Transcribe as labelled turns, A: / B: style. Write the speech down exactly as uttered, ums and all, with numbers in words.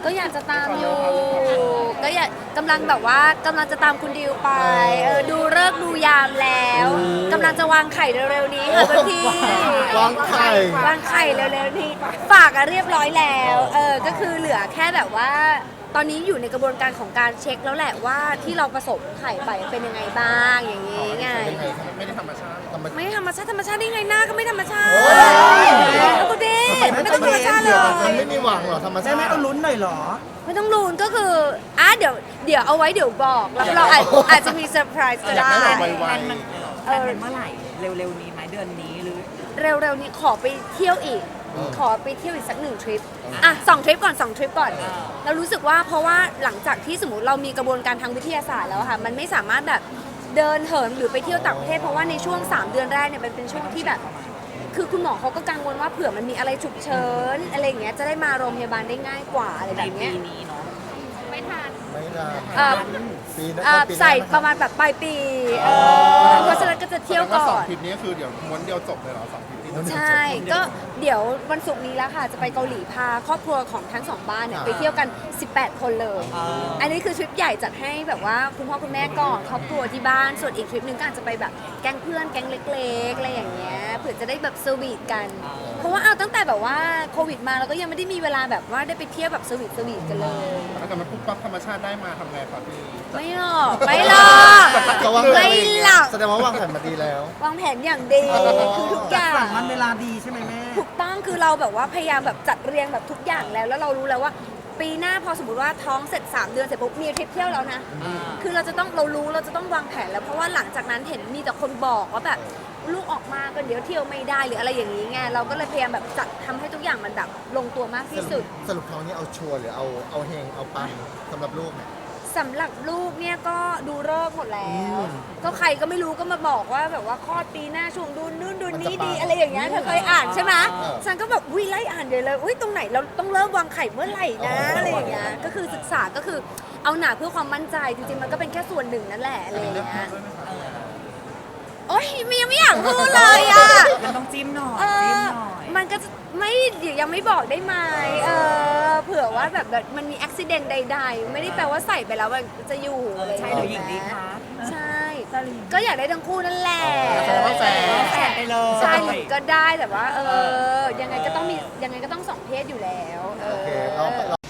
A: ก็อยากจะตามอยู่ก็อยากกำลังแบบว่ากำลังจะตามคุณดิวไปเออดูเลิกษ์ดูยามแล้วกำลังจะวางไข่เร็วๆนี้ค่ะพี่
B: วางไข่
A: วางไข่เร็วๆนี้ฝากอะเรียบร้อยแล้วเออก็คือเหลือแค่แบบว่า ตอนนี้อยู่ในกระบวนการของการเช็คแล้วแหละว่าที่เราผสมไข่ไปเป็นยังไงบ้างอย่างนี้ไง
C: ไม่ได้ธรรมชาติ
A: ไม่ธรรมชาติธรรมชาติได้ไงหน้าก็ไม่ธรรมชาติ
B: โอ้ย
A: แล้วก็ดีไม่ต้องธรรมชาติเล
B: มัน
A: ย
B: ไม่มีหวังหรอธรรมชา
D: แม่
B: ติ
D: ไม่ต้องลุ้นหน่อยเหรอ
A: ไม่ต้องลุ้นก็คืออ่ะเดี๋ยวเดี๋ยวเอาไว้เดี๋ยวบอกแล้วเราอาจอาจจะมีเซอร์ไพรส์ก็
C: อยาก
A: ได้
C: ได้แบบไว
E: แพลนมันแพลนมันเมื่อไหร่เร็วๆนี้ไหมเดือนนี้หรือ
A: เร็วๆนี้ขอไปเที่ยวอีก ขอไปเที่ยวอีกสักหนึ่งทริปอ่ะสองทริปก่อนสองทริปก่อนเรารู้สึกว่าเพราะว่าหลังจากที่สมมติเรามีกระบวนการทางวิทยาศาสตร์แล้วอะค่ะมันไม่สามารถแบบเดินเหินหรือไปเที่ยวต่างประเทศเพราะว่าในช่วงสามเดือนแรกเนี่ยมันเป็นช่วงที่แบบ คือคุณหมอเขาก็กังวลว่าเผื่อมันมีอะไรฉุกเฉินอะไรอย่างเงี้ยจะได้มาโรงพยาบาลได้ง่ายกว่าอะไร
E: ใน
A: แบบ
E: ปี
A: เนี้ย
E: นี้เนาะ
B: ไม่ได้
A: เอ่อ
B: ปีหน้า
A: เอ่อ
B: ปีหน้า
A: ใส่ประมาณแบบปลายปีเออเพราะฉะนั้นก็จะเที่ยว
C: ว่า
A: ก่
C: ส
A: อ
C: อง
A: น
C: ทริปนี้คือเดี๋ยวม้วนเดียวจบเลยเหรอสองทริปนี้
A: ใช่ ก็เดี๋ยววันศุกร์นี้แล้วค่ะ จะไปเกาหลีพาครอบครัวของทั้งสองบ้านเนี่ยไปเที่ยวกัน สิบแปด คนเลย อันนี้คือทริปใหญ่จัดให้แบบว่าคุณพ่อคุณแม่ก่อนครอบครัวที่บ้าน ส่วนอีกทริปหนึงก็อาจจะไปแบบแก๊งเพื่อนแก๊งเล็กๆอะไรอย่างเงี้ย เผื่อจะได้แบบสวีทกัน เพราะว่าเอาตั้งแต่แบบว่าโควิดมาเราก็ยังไม่ได้มีเวลาแบบว่าได้ไปเที่ยวแบบสวีทสวีทกันเลย
C: ถ้าเกิดมันปุ๊บปั๊บธรรมชาติได้มาทำไงครับพี่
A: ไม่หรอกไม่หรอก
B: เขาวางแผ
A: ไม่
B: น
A: หรอก
B: แสดงว่าวางแผนมาดีแล้ว
A: วางแผนอย่างดี
B: อ๋อ
A: คือทุกอย่าง
D: สั่งวันเวลาดีใช่ไหมแม่
A: ถูกต้องคือเราแบบว่าพยายามแบบจัดเรียงแบบทุกอย่างแล้ว แล้วเรารู้แล้วว่า ปีหน้าพอสมมติว่าท้องเสร็จสามเดือนเสร็จปุ๊บมีทริปเที่ยวแล้วนะ คือเราจะต้องเรารู้เราจะต้องวางแผนแล้วเพราะว่าหลังจากนั้นเห็นมีแต่คนบอกว่าแบบลูกออกมาก็เดี๋ยวเที่ยวไม่ได้หรืออะไรอย่างนี้ไงเราก็เลยพยายามแบบจัดทำให้ทุกอย่างมันแบบลงตัวมากที่สุด
B: สรุปท้องนี้เอาชัวร์หรือเอาเอาเฮงเอาปังสำหรับลูกเนี่ย
A: สำหรับลูกเนี่ยก็ดูเลิกษ์หมดแล้ว
B: อืม
A: ก็ใครก็ไม่รู้ก็มาบอกว่าแบบว่าคลอดปีหน้าช่วงดูนู่นดูนี่
B: มันจะปัง
A: ดีอะไรอย่างเงี้ยเธอเคยอ่านใช่ไหม
B: เออ
A: ฉันก็แบบอุ้ยไล่อ่านใหญ่เลยอุ้ยตรงไหนเราต้องเริ่มวางไข่เมื่อไหร่นะ
B: อ๋ออ
A: อะไรอย่างเงี้ยก็คือศึกษาก็คือเอาหนาเพื่อความมั่นใจจริงๆมันก็เป็นแค่ส่วนหนึ่งนั่นแหละอะไรอย่างเงี้ยโอ๊ยมียังไม่อยากพูดเลยอ่ะ
E: มันต้องจิ้มหน่อย
A: เอ
E: จิ้ม
A: อ
E: หน่อย
A: มันก็จะไม่ยังไม่บอกได้ไหมเออเผื่อว่าแบบมันมีอุบิเหตุใดๆ ไม่ได้แปลว่าใส่ไปแล้วมันจะอยู่อะไรอย่าง
E: ใช่
A: เงี้ย
E: หรือหญิงดีคะ
A: ใช่ ก็อยากได้ทั้งคู่นั่นแหละ
C: แสดงว่าแฟน
E: แฟนไปเลย
A: ใช่หรือก็ได้แต่ว่า เออ ยังไงก็ต้องมียังไงก็ต้องสองเพศอยู่แล้วเอ
B: โอเค
A: อ
B: เรา